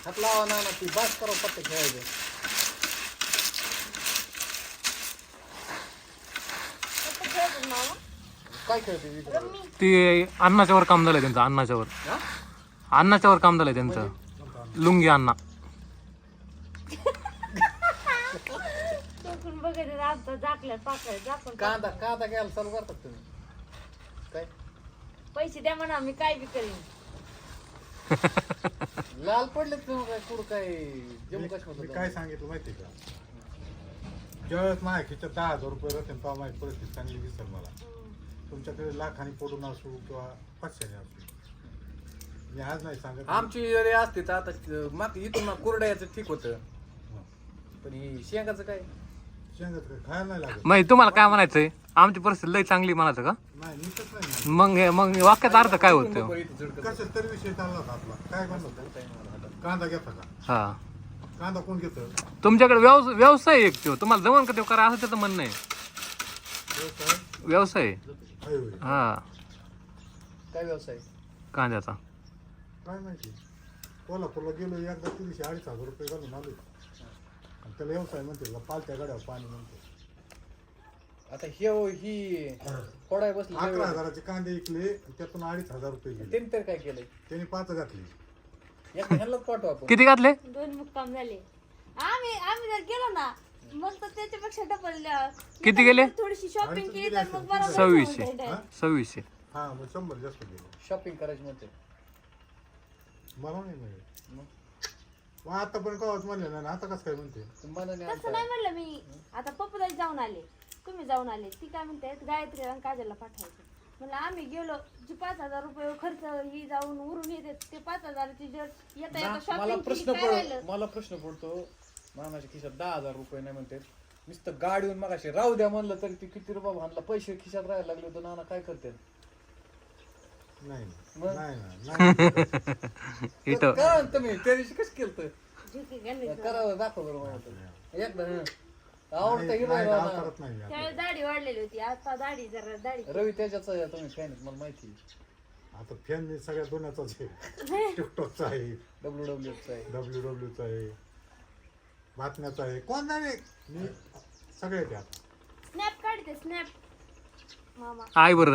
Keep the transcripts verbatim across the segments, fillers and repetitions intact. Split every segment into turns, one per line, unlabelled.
हात लावा ना ना ती बास करा पत्ते खेळायचं. काय खेळते
ती अन्नाच्यावर काम झालंय त्यांचं. अन्नाच्यावर अन्नाच्यावर काम झालंय त्यांचं. लुंगी अण्णा.
कांदा कांदा घ्यायला चालू करतात तुम्ही काय
पैसे द्या म्हणा मी काय बी करीन.
लाल पडले तुम्ही काय कुठं काय जम्मू
मी
काश्मीर
काय सांगितलं माहिती का, ज्यावेळेस माझ्या खिच्यात दहा हजार रुपये राहते तेव्हा माझी परिस्थिती चांगली दिसेल मला. तुमच्याकडे लाखानी पडून असू किंवा पाचशेने असू, मी आज नाही सांगत.
आमची जरी असते तर आता मात इथून कुरड्याचं ठीक होतं, पण ही शेंगाचं काय
शेंगात काय खायला नाही लागत.
मग तुम्हाला काय म्हणायचंय, आमची परिस्थिती लई चांगली म्हणायचं का?
नाही नीटच नाही.
मग हे- मग वाक्यात अर्थ काय होतं?
कशाच तरी विषय चालला होता आपला. काय म्हणत होता, कांदा घेता का?
हा,
कांदा कोण घेतं?
तुमच्याकडे व्यवसाय व्यवसाय एक तो तुम्हाला जमन का ते करा असं त्याचं म्हणणं आहे.
व्यवसाय
व्यवसाय
आहे होय.
हा
काय व्यवसाय
कांद्याचा.
काय माहिती, कोल्हापूरला गेलो एकदा तीनशे अडीच हजार रुपये घालून आलो आणि त्याला व्यवसाय म्हणते का, पालत्या गाड्यावर पाणी म्हणते.
आता हे ही फोडाय बसली
अकरा हजाराचे कांदे विकले आणि त्यातून अडीच हजार रुपये गेले.
त्यांनी तर काय केलंय
त्याने पाच घातली.
एक ह्यालाच पाठवा आपण.
किती घातले?
दोन मुक्काम झाले. आम्ही आम्ही जर गेलो ना मग तर त्याच्यापेक्षा डबल.
किती गेले?
थोडीशी शॉपिंग केली तर मग बरोबर
सव्वीसशे
होऊन जाईल.
सव्वीसशे
हा मग शंभर जास्त गेले.
शॉपिंग करायची म्हणते
मला नाही मिळेल. मग आता पण कवाच म्हणले ना, आता कसं काय म्हणते?
तुम्हाला नाही
तसं नाही म्हणलं मी. आता पप्पूदाई जाऊन आले, तुम्ही जाऊन आले, ती काय म्हणते गायत्री आणि काजलला पाठवायचं. म्हणलं आम्ही गेलो जी पाच हजार रुपये खर्च ही जाऊन उरून येते ते पाच हजाराची जर येता येता
मला
शॉपिंग
प्रश्न
काय राहिलं.
पड मला प्रश्न पडतो, मामाच्या खिशात दहा हजार रुपये नाही म्हणते, नुसतं गाडीहून मग असे राहू द्या म्हणलं तरी ती किती रुपये भांडला, पैसे खिशात राहायला लागले होते. नाना काय करते
नाही
मग?
नाही नाही.
इथं
काय तुम्ही त्या दिवशी कसं केलं
झुकी गणित.
करावं दाखव बरं मला एकदा हं. आवडतं हिरो
नाही,
आहे
डाव
ना.
करत नाही मी आता.
त्यावेळेस दाढी वाढलेली होती, आता दाढी जरा दाढी
रवी त्याच्याच आहे, तुम्ही फॅन मला माहिती
आता फॅन मी सगळ्या दोन्याचाच आहे. टिकटॉकचा आहे,
डब्ल्यू डब्ल्यू आहे.
डब्ल्यू डब्ल्यूचा आहे, बातम्याचा आहे, कोण नाही मी सगळे ते आता.
स्नॅप काढते स्नॅप मामा.
आय बरं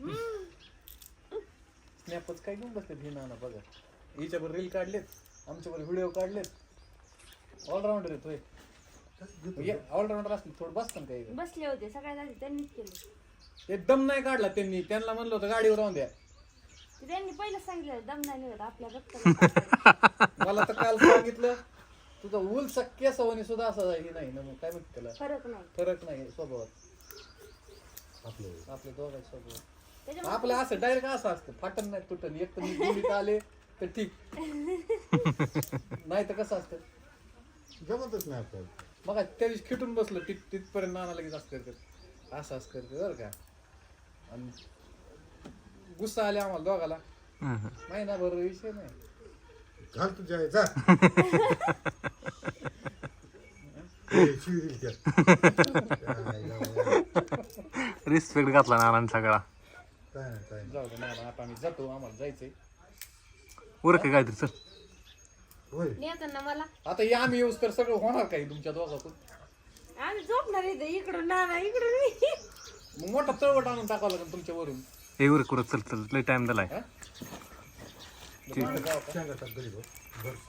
स्नॅपच काय घेऊन बसले ही नाना बघा. हिच्यावर रील काढलेत, आमच्यावर व्हिडिओ काढलेत. ऑलराऊंडर आहे तो. ऑलराऊंडर असले थोडं बसतं काय
बसले होते सगळ्यात आधी त्यांनीच केलं.
एकदम नाही काढला त्यांनी. त्यांना म्हणलं होतं गाडीवर राहून द्या.
ते त्यांनी पहिलं सांगितलं दम नाही निघत आपल्या रक्त.
मला तर काल सांगितलं तुझा उलसा केसवणी सुद्धा असा हे नाही ना, मग काय म्हणते त्याला
फरक नाही
फरक नाही स्वभावात
आपलं
आपल्या दोघांच्या स्वभावात.
त्याच्यामुळे
आपलं असं डायरेक्ट असं असतं, फाटन नाही तुटन. एक तर मी दिल्लीत आले तर ठीक, नाही तर कसं असतं
जमतच नाही आपल्याला.
मग त्या दिवशी खिटून बसलं तिथ तिथपर्यंत नाना लगेच असं करत असं असं करते बरं का. आणि गुस्सा आले आम्हाला दोघाला. महिना बरोबर विषय नाही.
घाल तुझ्या आहे, जा. ए, शिवील त्यात. काय लावा.
रिस्पेक्ट घातला नानांनी सगळा.
काय नाही, काय नाही.
जाऊ दे नाना, आता आम्ही जातो, आम्हाला जायचंय.
उरक काहीतरी चल.
होय
नेताना मला
आता हे आम्ही येऊस तर सगळं होणार काही तुमच्या दोघातून.
आम्ही झोपणार इथे इकडून नाना इकडून मी.
मग मोठा चळवट आणून टाकावं लागेल तुमच्यावरून.
हे उरक उरक चल चल लय टाइम झालाय.
हा?
शेंगा टाक घरी बघ. बस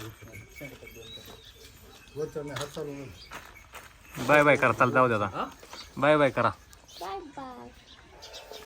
वरच्या नाही हात चालू नाही.
बाय बाय करा, चाल जाऊ दे आता.
हा?
बाय बाय करा.
Bye bye.